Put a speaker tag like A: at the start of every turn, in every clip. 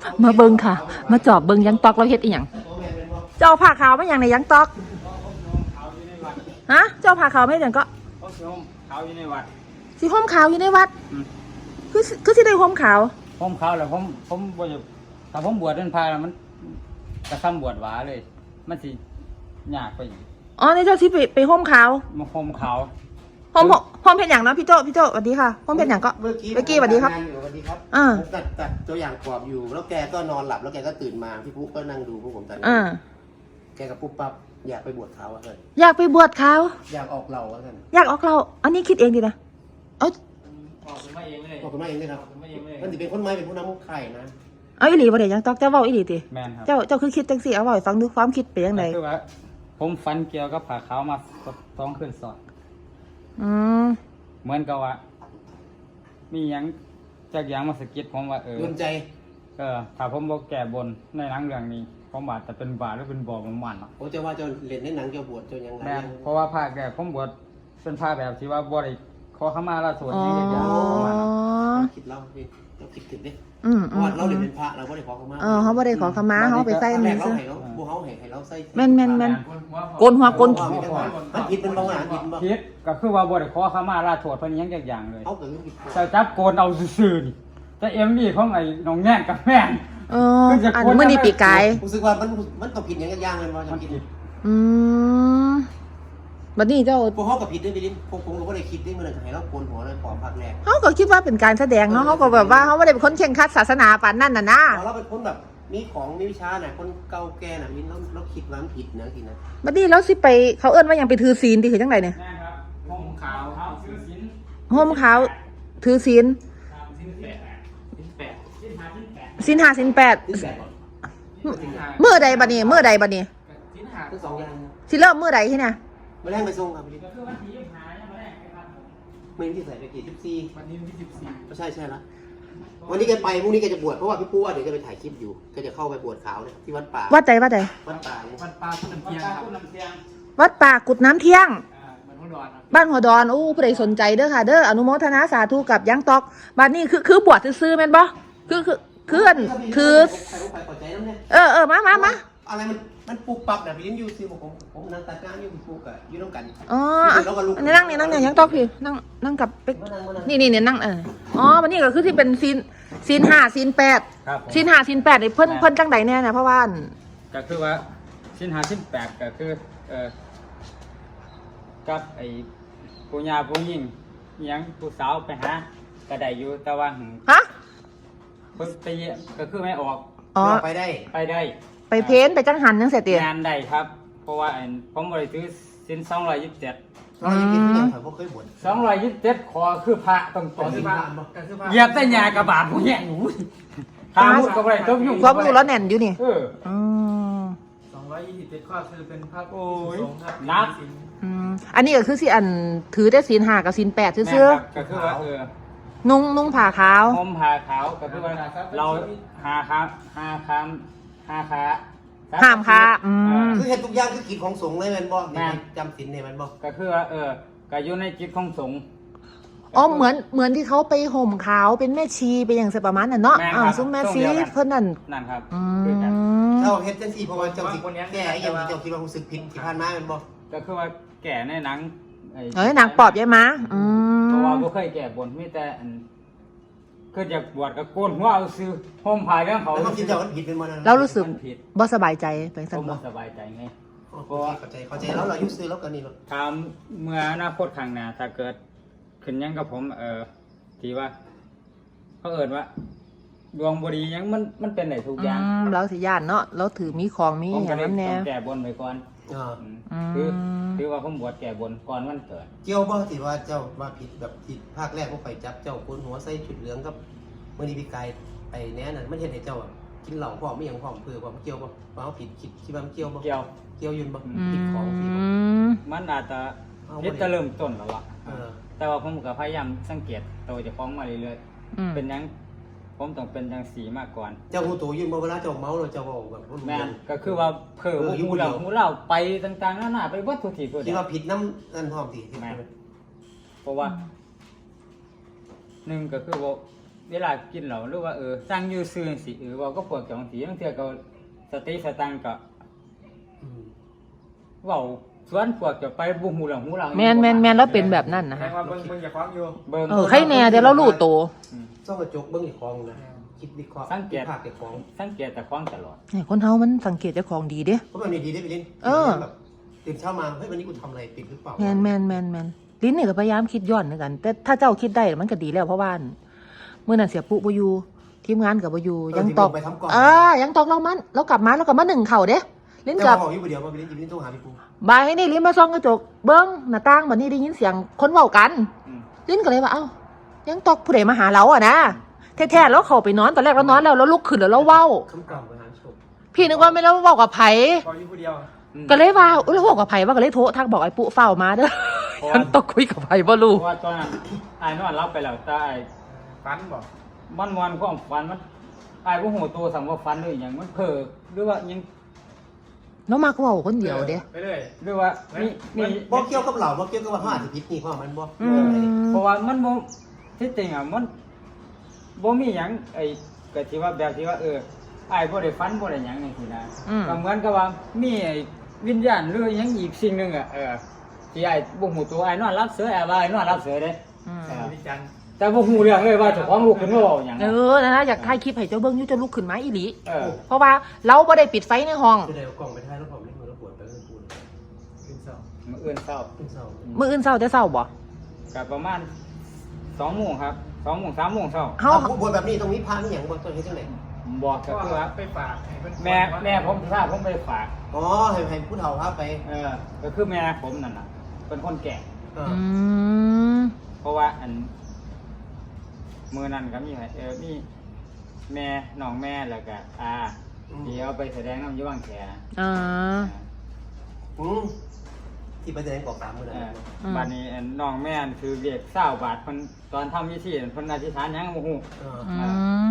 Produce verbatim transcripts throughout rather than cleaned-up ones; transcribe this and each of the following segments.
A: มาเบิ่งค่ะ มาจอบเบิ่งยังตอกเราเฮ็ดอีหยังเจ้าผ้าขาวไม่อย่างในยังตอกฮะเจ้าผ้าขาวไม่อย่างก็
B: เขาสิห่มขาวอยู่ในวัด
A: สีห่มขาวอยู่ในวัดคือคือที่ได้ห่มขาว
B: ห่มขาวแล้วผมผมบ่จะถ้าผมบวชเป็นพระแล้วมันกระทำบวชหวาเลย มันสิยากไปอีก
A: อ๋อในเจ้าที่ไปไปห่มขาว
B: มาห่มขาว
A: ห่มห่มเป็นอย่างเนาะพี่โจพี่โจสวัสดีค่ะห่มเป็นอย่างก็
C: เมื่อกี้
A: เมื่อกี้สวัสดีครับ
C: สวัสดีครับ
A: อ่า
C: ผมตัดตัดตัวอย่างกรอบอยู่ แล้วแกก็นอนหลับแล้วแกก็ตื่นมาพี่ปุ๊กก็นั่งดูพวกผมตัด
A: อ่า
C: แกก็ปุ๊บปั๊บอยากไปบวชเขาอะเพื่อน
A: อยากไปบวชขาว
C: อยากออกเราอะเพื่อน
A: อยากออกเราอันนี้คิดเองดีนะเอา
B: ออกมาเองเลย
C: บอกคุณแม่เองเลยครับ
B: มาเองเลย
C: มันจะเป็นคนไม้เป็นผู้นำไข่นะ
A: เอาอีหลีบ่ได้ยังตอกเจ้าเว้าอีหลีติ
B: แม่นครับ
A: เจ้าเจ้าคือคิดจังซี่เอาเว้าให้ฟังดูความคิดเป็นจังได
B: คือว่า ผมฝันเกี่ยวกับผ้าขาวมาสองคืนซ้อน
A: อืม
B: เหมือนกับว่า มีหยังจากอย่างมาสะกิดผมว่าเออ
C: โดนใจ
B: เออถ้าผมบอกแก่บนในหนังเรื่องนี้ผมบาดแต่เป็นบาดหรือเป็นบ่อมันมันเนาะ
C: ผมจะว่าเจะเล่นในหนังเจะบวชเจะยังไง
B: แม่นเพราะว่าภาคแรกผมบวชเป็นภาคแบบที่ว่าบ่ได้ขอขมาลาสวด
A: อ๋อ
B: ยังอย่างประมาณนั้น
C: เราคิดเราพี่เราคิดถึงดิ
A: อืม
C: เพ
A: อื
C: ราะ
A: ม
C: ว่าเราเล่นเป็นพระเราไม่ได้ขอเขามา
A: เออเขาบ่ได้ขอขมาเขาไปใส่
C: ตอนแร
A: มือก
C: เรา
A: ซื้อ
C: ให้เราบูเขาให้ให้เราใส่
A: แม่นแม่นแม่น โกนหัวโกน
C: มันผิดเป็นบางอย่างผิดบ้าง
B: คิดก็คือว่าบ่ได้ขอขมาลาสวดเพิ่นยังอย่างอย่างเลย
C: เขาเกิดผิด
B: แต่จับโกนเอาซื่อๆนี่แต่เอ็มวีของไอ้น้องแน่นกับแม่น
A: เอออันเมื่อนี้ปีกาย
C: รู้สึกว่ามันมันต้องผิดอย่างย่างๆเลยว่าจะ
B: มัน
C: ผิด
B: ผิด
A: อืมบัดนี้เจ้า
C: พวกเขากับผิดด้วยไปลิ้นพวกผมก็ไม่ได้คิดด้วยมันเลยให้เราโกนหัวเลยขอพักแรก
A: เขาก็คิดว่าเป็นการแสดงเนาะเขาก็แบบว่าเขาไม่ได้เป็นคนเข่งครัดศาสนาปานนั่นน่ะนะ
C: เราเป็นคนแบบมีของมีวิชาน่ะคนเก่าแก่น่ะมิ้นเราเราคิดว่ามันผิดนะทีนะ
A: บัดนี้แล้วสิไปเขาเอิ้นว่าหยังไปถือศีลที่คือจังไดเนี่ย
B: แม่นครับห่มขาวขาวซื้อสิน
A: ห่มขาวถือศีล
B: สินแปดสินแปดสินห้าสินแปด
A: ศีลห้าศีลแปด
C: ที่แปด
A: มื้อใดบัดนี้มื้อใดบัดนี้
B: สินห้า
C: ทั้งสองอย่าง
A: สิเริ่มมื้อใดที่เนี่ย
C: มาแรงไปส่งครับพี่
B: ก็คือวันที่ยี่สิบห้ายังมาแรกนะครับ
C: ไม่ที่ใส่ไปกี่สิบสี่
B: วันนี้วันที่สิบสี่
C: ก็ใช่ใช่ละวันนี้แกไปพรุ่งนี้แกจะบวชเพราะว่าพี่ปูว่าเดี๋ยวจะไปถ่ายคลิปอยู่แกจะเข้าไปบวชขาวเนี่ยที่วัดป่า
A: วัดใดวัดใด
C: วัดป่าเนี่ย
B: วันปลาคุณน้ำเทียงครับคุณน้ำเทียง
A: วัดป่ากุดน้ำเที่ยง
B: อ่าเหมือนหัวดอนครับ
A: บ้านหัวดอนอู้ผู้ใดสนใจเด้อค่ะ เด้ออนุโมทนาสาธุกับยังตอกบัดนี้คือคือบวชซื่อๆแม่นบ่คือคือคืออันคือ
C: ใครรู้ใครปล่อยใจน้ำเนี่ย
A: เออเออมามามา
C: อะไรมันมันปุบปับนะพี่ลิ้นอยู่ซิผมผมผมนั่งตัดงานอยู่พี่ปูกับอยู่น้ำกัน
A: อ๋ออ่ะอันนี้นั่งนี่นั่งเนี่ยยังตอกพี่นั่งนั่งกับเป็ก
C: มานั่งมานั่ง
A: นี่นี่เนี่ยนั่งเอออ๋อวันนี้ก็คือที่เป็นซีนซีนห้าซีนแปด
B: ครับผม
A: ซีนห้าซีนแปดนี่เพิ่นเพิ่นจังใดแน่เนี่ยเพราะว่าอัน
B: ก็คือว่าชิ้นหาชิ้นแปดก็คือเอ่อกับไอ้ผู้ยาผู้หญิงอิหยังผู้สาวไปหาก็ได้อยู่แต่ว่าหึ
A: ฮะ
B: เพิ่นไปเยี่ยมก็คือไม่ออก
A: อ๋อ
C: ไปได้
B: ไปได้
A: ไปเพ้นไปจังหันจังเสียเตีย
B: งานได้ครับ เพราะว่าอันผมบริสุทธิ์สินสองร้อยยี่สิบเจ็ด
C: เราจะกินที่ไหนผมเคยบ่น
B: สองร้อยยี่สิบเจ็ดขอคือพระต้อง
C: ข
B: ต่
C: อ
B: อ
C: ที่
B: ที่
C: บ้า
B: บ้าน น
C: บ่
B: เหยียบแต่หญ้ากระบาดผู้แย่งหนูทางมุดก็บ่ได้ตบยุ่ง
A: ความรู้แล้วแน่นอยู่นี่
B: เออ
A: อืม
D: สองร้อยยี่สิบเจ็ดข้อคือเป็นภาพ
B: โอ้ย
D: สงฆ์ครับ
B: นับ
A: อืมอันนี้ก็คือสิอันถือได้ซีนห้ากับซีนแปด
B: แม่
A: ซื่อ
B: ครับก็คือว่าเออ
A: ๆนุ่งนุ่งผ้าขาว
B: ห่มผ้าขาวก็คือว่าเราหาคามหาคามหาคา
A: ห้ามค้าอืม
C: คือเห็นทุกอย่างคือกิจของสงฆ์เลยแมันบ่
B: แม่น
C: จำศีลเนี่ยแมันบ่
B: ก็คือว่าเออก็อยู่ในจิตของสงฆ์
A: อ๋อเหมือนเหมือนที่เขาไปห่มขาวเป็นแม่ชีไปอย่างสิประมาณนั้นเนาะ
B: แม่น
A: อ่า
B: ครับ
A: ซุ้มแม่
B: ช่วง
A: ชี
B: เดียวกัน
A: เพิ่นนั่น
B: นั่นครับ
A: อื
B: คือกัน
A: ม
C: เจ้าเฮ็ดจังซี่เพราะว่าเจ้าสิแก้ไอ้อย่างที่เจ้าคิดว่ารู้สึกผิดที่ผ่านมาแมันบ่
B: ก็คือว่าแก่ในหนังไอ้
A: เฮ้ยหนังปอบยายม้าอื
B: เพราะ
A: ม
B: ว่าบ่เคยแก่บนมีแต่อันคืออยากบวชก็โกนหัวเอาซื้อห่มผ้าเรื่องเขา
C: แล้วความคิดเจ้ามันผิดเป็นบ่นั่น
A: เรารู้สึก
B: มันผิด
A: บ่สบายใจไป
B: ผ
A: สั่น
B: ม
A: บ่
B: บ่สบายใจไง
C: เพราะว่าเข้าใจเข้าใจแล้วเราอายุซื้อแล้วกันนี่เนาะ
B: ถามเมื่ออนาคตข้างหน้าถ้าเกิดขึ้นหยังกับผมเออที่ว่าเขาเอิ้นว่าดวงบ่ดีหยังมันมันเป็นได้ทุก
A: อื
B: อย่าง
A: มเราสิย่านเนาะเราถือมีของมี
B: ผม
A: อ
B: ก็
A: ย่าง
B: เลย
A: นั้นแน่
B: ต้องแก่บนไปก่อน
C: อ่า
B: อืม
A: อืม
B: คือคือว่าผมบวชแก่บนก่อนวันเกิด
C: เกี่ยวบ่ที่ว่าเจ้าว่าผิดแบบที่ภาคแรกพวกไปจับเจ้าโกนหัวใส่ชุดเหลืองกับมื้อนี้พี่กายไอ้แน่นั่นมันเฮ็ดให้เจ้าอะกินเหล้าพร้อมไม่หยังพร้อมเพื่อความเกี่ยวบ่ว่าเฮาผิดคิดคิดว่ามันเกี่ยวบ่
B: เกี่ยว
C: เกี่ยวอยืนบ่
A: อื
C: ผิดของสิบ่
A: ม
B: มันอาจจะ
C: เอา
B: พิ
C: บ่
B: จะ
C: ได้
B: เริ่มต้นแล้วล่ะ
C: เออ
B: แต่ว่าผมก็พยายามสังเกตตัวเจะฟ้าของมาเรื่อย
A: อืม
B: ๆเป็นหยังผมต้องเป็นจังสีมากก่อน
C: เจ้าหูตัวยืนบ่เวลาเจ้าเมาแล้วเจ้าเว้าแบบบ่รู้
B: แม่
C: เรื่อน ง
B: ก็คือว่าเผลอ
C: เอออยู่
B: หูเรา
C: คนเดียว
B: หูเราไปต่างๆนานาไปวัตถุที่ตัว
C: คิ
B: เดี
C: ด
B: ยว
C: ว่าผิดน้ำนั่นพร้อมสิ
B: แม่น เพราะว่าหนึ่งก็คือว่าเวลากินเหล้าหรือว่าเออสั่งอยู่ซื่อสิเออเว่าก็ปวดจังสีบางเทื่อก็สติสตังค์ก็
C: อืม
B: เว้าสวนพวกจะไปบ่ฮู้เรื่องฮู้ราว
A: แมนแมนแมนแล้วเป็นแบบนั้นนะ
D: แสด
A: ฮะ
D: งว่าเบิ่งเบิ่งอย่าคว้างอยู่
B: เบิ่ง
A: เออใครแน่เดี๋ยวเรารู้โตว
B: อืม
C: ซ่องกระจกเบิ้งอีกของนะคิดวิเคราะห์
B: สังเกต
C: ภาคเก็บของ
B: สังเกตแต่ของตลอด
A: เนี่ยคนเฮามันสังเกตเจ้าของดีเด้
C: เพราะแบบนี้ดีได้ไปเล่น
A: เออ
C: แบบตื่นเช้ามาเฮ้ยวันนี้กูทำอะไรปิดหรือเปล่า
A: แมนแมนแมนแมนลิ้นนี่ก็พยายามคิดย้อนเหมือนกัน แต่ถ้าเจ้าคิดได้มันก็ดีแล้วเพราะว่าเมื่อนั้นเสียปุ๊บอยู่ทีมงานกับบอยู่ยังตอก
C: ไปทำก่อน
A: อ่ายังตอกเรามันเรากลับมาเรากลับมาหนึ่งเข่าเด้ลิ้น
C: แต่
A: กลั
C: ว่า
A: บ
C: บอกอยู่ประเดียวว่าไปเล่นยิบเล่นต้องหาพี่ปู
A: บายให้นี่ลิ้นมาซ่องกระจกเบิ้งหน้าต่างบัดนี้ได้ยินเสียงคนเว้ากัน
B: อืม
A: ลิ้นก็เลยว่าเอ้ายังตอกผู้ใดมาหาเราอ่ะนะแท้ๆแล้วเขาไปนอนตอนแรกเรานอนแล้วแล้วลุกขึ้นแล้วเราเว้า
C: คำกล่อมไปหาชม
A: พี่นึกว่าไม่แล้วเว้ากับไผ
D: พออยู่ผู้เดียว
B: อืม
A: ก็เลยว่าอุ้ยแล้วเว้ากับไผว่าก็เลยโทรทักบอกไอ้ปุ๊เฝ้ามาเด้อ
B: เพราะว่า
A: ฉันต้องคุยกับไผบ่รู้
B: เพราะว่าตอนนั้นอายนอนรับไปแล้วแต่อ้าย
D: ฟันบอก
B: มันมวนความฝันมันอายบ่ฮู้ตัวสั่งว่าฝันหรือหยังมันเพ้อหรือว่าหยัง
A: แล้วมาก็เว้าคนเดียวเด้
D: ไปเรื่อย
B: หรือว่ามีมี
C: บอกเกี่ยวกับเหล่าบอกเกี่ยวกับว่าเขาอาจจะพิษนี่เพราะมันบอก
A: อืม
B: เพราะว่ามันบ่ที่จริงอ่ะมันบ่มีหยังไอ้ก็ที่ว่าแบบที่ว่าเอออ้ายบ่ได้ฝันบ่ได้หยังจังซี่นะ
A: อืม
B: ก็เหมือนกับว่ามีไอ้วิญญาณหรือหยังอีกสิ่งหนึงอ่ะเออที่อ้ายบ่ฮู้ตัวอ้ายนอนรับเสืออ้ายว่าอ้ายนอนรับเสือเด้
A: อืม
B: เออ
D: วิจารณ์
B: แต่บ่ฮู้เรื่องเลยว่าเจ้าของลูกขึ้นมาเว้าหยัง
A: เออนะนะอยากถ่ายคลิปให้เจ้าเบิ้งอยุ่จะลุกขึ้นมาอีหลี
B: เออ
A: เพราะว่าเราไ่ได้ปิดไฟในห้อง
C: คือเดี๋ยวกล่องไปท้ายแล้วผมเล่นมือแล้วปวดไปแล้วปวด
D: ขึ้นสอง
B: มื้ออื่นเช้า
C: ขึ้นเศร้า
A: มื้ออื่นเช้าจะเช้าบ่
B: ก็ประมาณสองโมงครับสองโมงสามโมงเช้า
A: เฮา
C: บวชแบบนี้ตรงนี้พานี่อย่างบวชตัวนี้จังไหน
B: บอกก็
D: ก็
B: คือว่า
D: ไปฝากให้เพิ่น
B: แม่แม่ผมทราบผมไปฝาก
C: อ๋อให้ให้ผู้เฒ่าพาไป
B: เออก็คือแม่ผมนั่นน่ะเป็นคนแก่
C: เออ
A: อืม
B: เพราะว่าอันมือนั่นก็มีให้เออมีแม่น้องแม่แล้วก็อาที่เอาไปแสดงน้ำอยี่วังแข
A: อ่า
C: อืมที่ไปแสดงกอกสามมือ
B: เอ
C: นั่น
B: อ
A: อืม
B: บัดนี้อันน้องแม่นคือเรียกเศร้าบาทเพิ่นตอนทำพิธีเพิ่นอธิษฐานหยังบ่ฮู้
C: เออ
A: อืม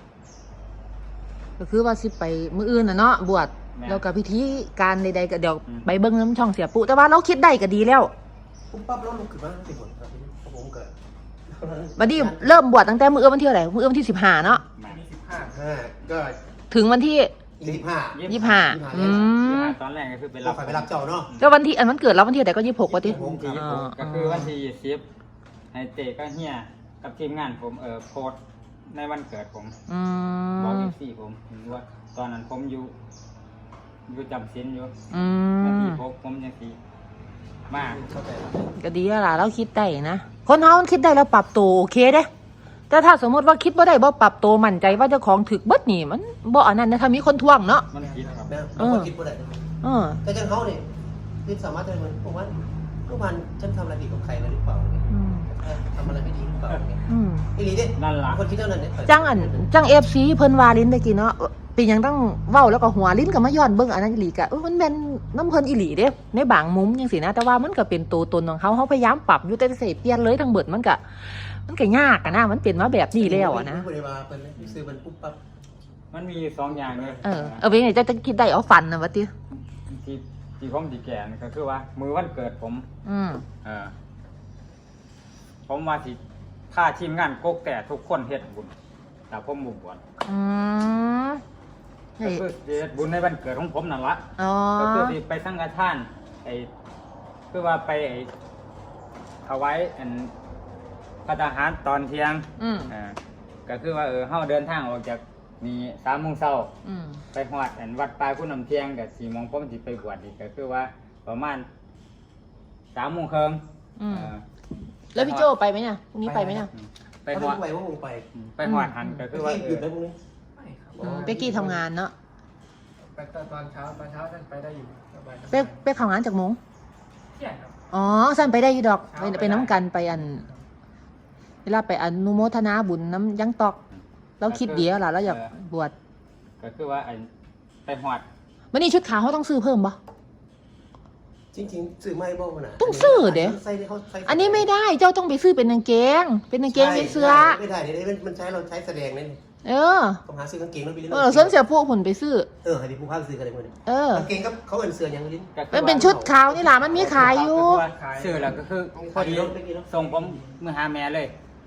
A: ก็คือว่าสิไปมื้ออื่นน่ะเนาะบวชแล้วก็พิธีการใดๆก็เดี๋ยวไปเบิ่งน้ำช่องเสียปุ๊แต่ว่าเราคิดได้ก็ดีแล้ว
C: ปุ๊บปั๊บแล้วลุกขึ้นมาสิบคนครับเพราะผมเกิด
A: บัดนี้เริ่มบวชตั้งแต่มื้ออื่นวันที่เท่าไหร่มื้ออื่นวันที่สิบห้าเนาะ
B: มา
D: มีสิบห้า
C: ห้าก็
A: ถึงวันที่
C: ยี่สิบห้า
A: ยี่สิบห้าอืม
B: ตอนแรกก็คือไป
C: เรา
B: รับ
C: ไปไปรับเจ้าเนาะ
A: แล้ววันที่อันวันเกิดเราวันที่เท่าไหร่ก็ยี่สิบหกว่าติ
C: ผม
B: ที่ยี่สิบหกก็คือวันที่ยี่สิบให้เตก็เฮียกับทีมงานผมเออโพสต์ในวันเกิดผม
A: อื
B: บอก
A: ม
B: เอฟซีผมว่าตอนนั้นผมอยู่อยู่จำศีลอยู่
A: อื
B: นาที
A: ม
B: พกผมยังสีมาก
C: เข้าใจแล้ว
A: ก็ดีแล้วล่ะเราคิดได้นะคนเฮามันคิดได้แล้วปรับตัวโอเคเด้ แต่ถ้าสมมติว่าคิดว่าได้บ่ปรับตัวมั่นใจว่าเจ้าของถึกเบิดนี่มันบ่อันนั้นนะถ้ามีคนท่วงเนาะ
B: มันคิดครับ
C: นะบางคนคิดว่าได้
A: เออ
C: แต่จังเขาเนี่ยคือสามารถจะเหมือนผมว่าลูกพันฉันทำอะไรผิดกับใครมาหรือเปล่าเนี่ย
A: อืม
C: ทำอะไรไม่ดีหรือเปล่าเนี่ย
A: อืม
C: ไอ้ลีเด้
B: นั่นล่ะ
C: คนคิดเท่านั้นเนี่ย
A: จังอันจัง เอฟ ซี เพิ่นว่าลิ้นตะกี้เนาะเป็นหยังต้องเว้าแล้วก็หัวลิ้นก็มาย้อนเบิ่งอันนั้นอีหลีก็เออมันแม่นน้ำเพิ่นอีหลีเด้ในบางมุมจังซี่นะแต่ว่ามันก็เป็นตัวตนของเขาเขาพยายามปรับอยู่แต่สิเปลี่ยนเลยทั้งเบิดมันก็มันก็ยากอะนะมันเป็นมาแบบนี้แล้วอะนะ
C: บริวารเป็นซื้อมันปุ๊บปั๊บ
B: มันมีสองอย่างเลย
A: เออเออเป็นไงจะจะคิดได้เอาฟันนะว่าติ
B: ที่ที่ผมดีแก่นี่ก็คือว่า มือวันเกิดผม
A: อืม
B: เออผมว่าสิค่าทีมงานกกแต่ทุกคนเฮ็ดบุญแต่ผมบุบวช
A: อืม
B: ก็
A: นี่
B: คือสิเฮ็ดบุญในวันเกิดของผมนั่นละ
A: อ๋อ
B: ก็คือสิไปสังฆทานไอ้คือว่าไปไอ้ถวายอันพระทหารตอนเที่ยง
A: อืม
B: อ่าก็คือว่าเออเฮาเดินทางออกจากนี่สามโมงเช้า
A: อืม
B: ไปฮอดอันวัดปลายผู้นำเที่ยงกับสี่โมงผมสิไปบวชอีกก็คือว่าประมาณสามโมงครึ่ง
A: อืม
B: เออ
A: แล้วพี่โจไปไหมเนี่ยพรุ่งนี้ไปไหมเนี่ย
B: ไป
C: ไป
B: ฮอด
C: ไปว่าคงไป
B: ไปฮอดหันก็คือว่า
C: ที่
B: เอ
C: หยุ
B: อ
C: ดได้พวกนี้
D: ไม่ครับ
A: อืมเป๊กกี้ทำงานเนาะ
D: ไปตอนเช้าตอนเช้าท่านไปได้อยู่สบายๆ
A: เป๊กเป๊กทำงานจากโมง
D: เที่ยงครับ
A: อ๋อสั้นไปได้อยู่ดอกไป
D: เช้าไป
A: ไปน้ำกันไปอัน เวลาไปอนุโมทนาบุญน้ำยังตอก เราคิดเดียวล่ะเราอยากบวช
B: ก็คือว่าอันไปฮอด
A: วันนี้ชุดขาวเขาต้องซื้อเพิ่มปะ
C: จริงๆซื้อไม่บ้างนะ
A: ต้องซื้อเดี๋ยว
C: ใส่เขาใส่
A: อันนี้ไม่ได้เจ้าต้องไปซื้อเป็นกางเกง เป็นกางเกงเป็นเสื้อ
C: ไม่ได้เดี๋ยวมันใช้เราใช้แสดงนั่น
A: เออ
C: ต้องหาซื้อกางเกงแล้วไปเล่น
A: เออส่วนเสียพวกผลไปซื้อ
C: เออให้พี่ผู้พาซื้อกันเลยคนนี้
A: เออ
C: กางเกงก็เขาเอ็นเสื้อยังลิ้น
B: ก็คือ
A: มัน
B: ว่า
A: เป็นชุดขาวนี่ล่ะมันมีขายอยู่
B: ก็คือว่าซื้อแล้วก็คือพอดีส่งผมมือหาแม่เลย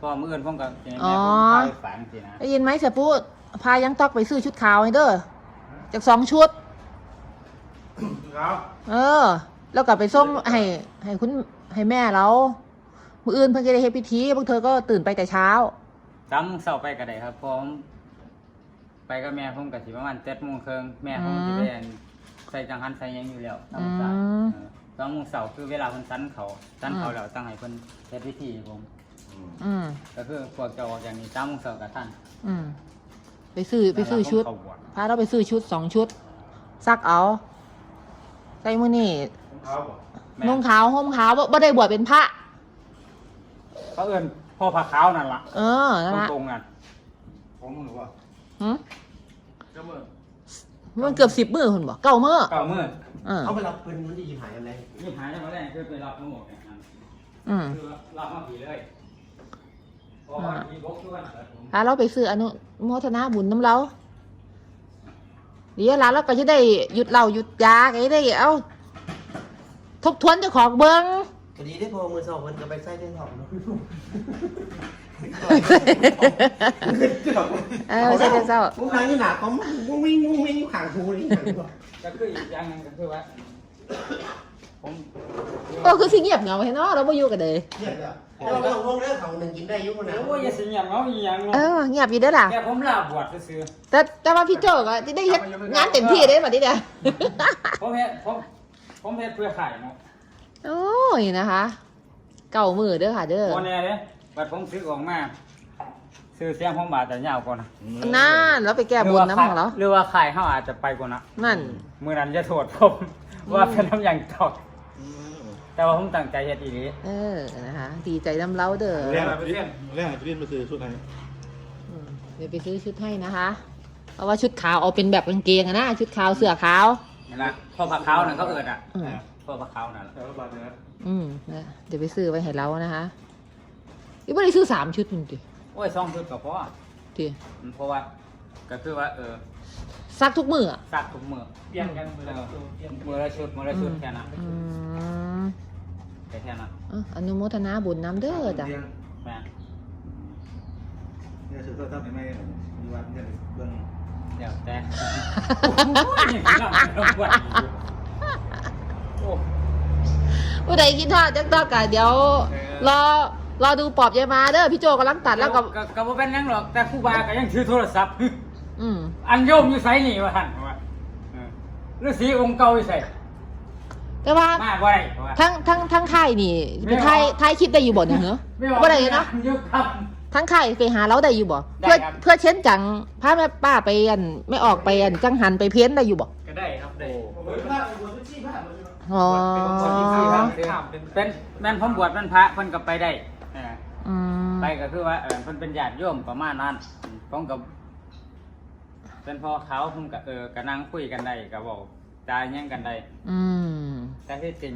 B: พอมื้ออื่นผมก็สิให้
A: อ๋
B: แม่
A: อ
B: ผมพาไปฝังสินะ
A: ได้ยินไหมเสียปูพายังตอกไปซื้อชุดขาวให้เด้อจากสองชุด
D: ครับ
A: เออ แล้วก็ไปส่งให้ให้คุณให้แม่เรามื้ออื่นเพิ่นจะได้เฮ็ดพิธีพวกเธอก็ตื่นไปแต่เช้า
B: สามโมงเช้าไปก็ได้ครับพอผมไปกับแม่ผมก็สิประมาณเจ็ดโมงครึ่งแม่ผมสิไปอันใส่จังหันใส่หยังอยู่แล้วธรรมศาสตร์
A: อืม
B: เออสองโมงเช้าคือเวลาเพิ่นสันเขาสันเขาแล้วตั้งให้เพิ่นเฮ็ดพิธีให้ผม
A: อืม
B: ก็คือพวกเจ้าออกอย่างนี้สามโมงเช้ากับท่าน
A: อืมไปซื้อไปซื้อชุด
B: แล้วผมเข้าบวช
A: พาเราไปซื้อชุดสองชุด ซักเอาใส่มือนี่
D: เขาบอก
B: แม่
A: นุ่งขาวห่มขาวบ่บ่ได้บวชเป็นพระ
B: เขาเอิ้นพ่อพระขาวนั่นล่ะ
A: เออนั่นละ
B: ตรงๆนั่น
D: ของมึงหรือว่า
A: หืม
D: เจ้ามือ
A: มันเกือบสิบมือคุณบอกเก้ามือ
B: เก้ามื้อ
A: เออ
C: เขาไปรับเพิ่นมันจะยิบหายอะไร
B: นี่หายได้มาแรกคือไปรับทั้งหมดเนี่ยครับ
A: อืม
B: คือรับมาผีเลยเพราะว่าผีบกด้วยนะครับผม
A: พาเราไปซื้ออนุโมทนาบุญน้ำเราเดี๋ยวหลานเราก็จะได้หยุดเหล้าหยุดยาก็จะได้เอาทบทวนเจ้าของเบิ้ง
C: ก็ดีได้พอมือสองมันก็ไปใส่ได้สองเนาะ
A: เออใช่เจ้า
C: มุ้งทางนี่หนาเขามุ้งวิ่งมุ้งวิ่งขางหูนี่
B: ก็คืออีกอย่างหนึงก็คือว่า ผม
A: ก็คือสิเงียบเหงาเห็นเนาะเราไม่อยู่กันเลย
C: เนี่ยเด้อแต่ว่าเราห้องเด้อเขาหนึ่งกินได้อยุ่งนะ
B: โอ้ยอย่าสิเงียบเงาอีหยัง
A: เอ
B: เนาะ
A: อเงียบอยู่เด้อล่ะ
B: แค่ผมลาบวชซื่อ
A: แต่แต่ว่าพี่โจก็จะได้เฮ็ดงานเต็มที่ได้แบบนี้เด้อ
B: ๆผมเฮ็ดผมผมเฮ็ดเพื่อขายเนาะ
A: โอ้ยนะคะ เก่ามือเด้อค่ะเด้อ
B: บ่แน่เด้บัดผมซื้อออกมาซื้อเสียงผมบาทแต่ยาวกว่านะ
A: นั่นเราไปแก้บนน้ำของเรา
B: หรือว่าขายเฮาอาจจะไปกว่านะ
A: นั่น
B: มื้อนั้นจะโทษผมว่าเป็นน้ำอย่างตอกแต่ว่าผมตั้งใจเฮ็ดอีหลี
A: เออนะคะดีใจน้ำเล้าเด้อ
D: เรียนอะไรไปเรียน
E: เรื่องอะไรไปเรียนมาซื้อชุดไหน
A: อืมเดี๋ยวไปซื้อชุดให้นะคะ เพราะว่าชุดขาวเอาเป็นแบบกางเกงอะนะชุดขาวเสื้อขาว
B: นี่ล่ะพ่อพระขาวนั่นเขาเอิ้นอ่ะ
A: อืม
B: พ่อพระขาวนั่นล่ะ
D: แต่ว่าบาทเนี่ย
A: อืมนะเดี๋ยวไปซื้อไว้ให้เรานะคะอีบ่ได้ซื้อสามชุดมันดิ
B: โอ้ยสองชุดก็พอ
A: ดิ
B: อืมเพราะว่าก็คือว่าเออ
A: ซักทุกมืออะ
B: ซักทุกมื้อ
D: เปลี่ยนกันมือ
B: เอ
D: ละ
B: อ
D: เปลี่ยน
B: มื้อละชุดมื้อละชุดแค่นั้น
A: อืม
B: แค่แค่นั้น
A: อ่ะอนุโมทนาบุญน้ำเด้อจ้ะ
E: เรียน
B: แม่น
E: เนี่ยซื้อโทรศัพท์ไม่ไม่มีวัดเนี่ยเบื้อง
B: เดี๋ยวแต่โอ้ยนี่คือเราเราปวดอยู่โอ้
A: ผู้ใดกินทอดจักตอกกะเดี๋ยวรอรอดูปอบยายมาเด้อพี่โจกำลังตัดแล้วก็
B: ก็ก็บ่เป็นหยังหรอกแต่ครูบาก็ยังถือโทรศัพท์
A: อืม
B: อันโยมอยู่ไสนี่ว่าหั่นว่าเออฤาษีองค์เก่าอยู่ไส
A: แต่ว่า
B: มาบ่ได้ว่า
A: ทั้งทั้งทั้งค่ายนี่ไปถ่ายถ่ายคลิปได้อยู่บ่เนี่ยเหรอ
B: ไม่ว่า
A: บ่ได้เนาะ
B: อยู่ครับ
A: ทั้งค่ายไปหาเราได้อยู่บ่
B: ได้
A: เพื่อ
B: ครับ
A: เพื่อเช่นจังพาแม่ป้าไปอันไม่ออกไปอันจังหันไปเพ้นได้อยู่บ่
D: ก็ได้ครับได้
C: ผมเป็นพระบวชเป็นชีพพระ
A: อ๋อ
B: เป็นแม่นผมบวชเป็นพระเพิ่นก็ไปได้เออ
A: อืม
B: ไปก็คือว่าเออเพิ่นเป็นญาติโยมประมาณนั้นผมก็เป็นพ่อเขาผมก็เออก็นั่งคุยกันได้ก็บอกจาหยังกันได้
A: อืม
B: แต่ที่จริง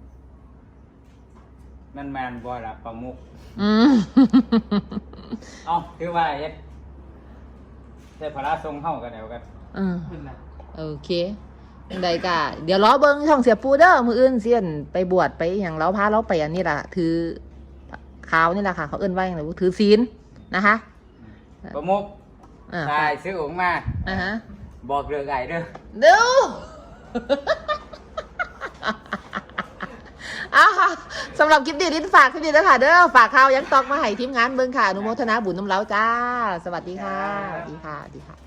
B: มันแมนบ่ล่ะประมุข
A: อืม
B: เอ้าคือว่าเฮ็ดเทพราทรงเฮากันแล้วกัน
A: อืม
B: ขึ้นนะ
A: โอเคจังใดกะเดี๋ยวล้อเบิ้งช่องเสียปูเด้อมืออื่นเสียนไปบวชไปอย่างเราพาเราไปอันนี้ล่ะ ถือขาวนี่แหละค่ะ เขาเอิ้นว่าอย่างไรถือศีลนะคะ
B: ประมุข
A: อ่า
B: ชายซื้อองค์มา
A: อ่าฮะ
B: บอกเรื่องไก่เด้อ
A: ดู อ้าวค่ะสำหรับคลิปดีลิ้นฝากคลิปดีแล้วค่ะเด้อฝากข่าวยังตอกมาให้ทีมงานเบิ้งค่ะอนุโมทนาบุญน้ำเล้าจ้า สวัสดีค่ะสวัสดีค่ะสวัสดีค่ะ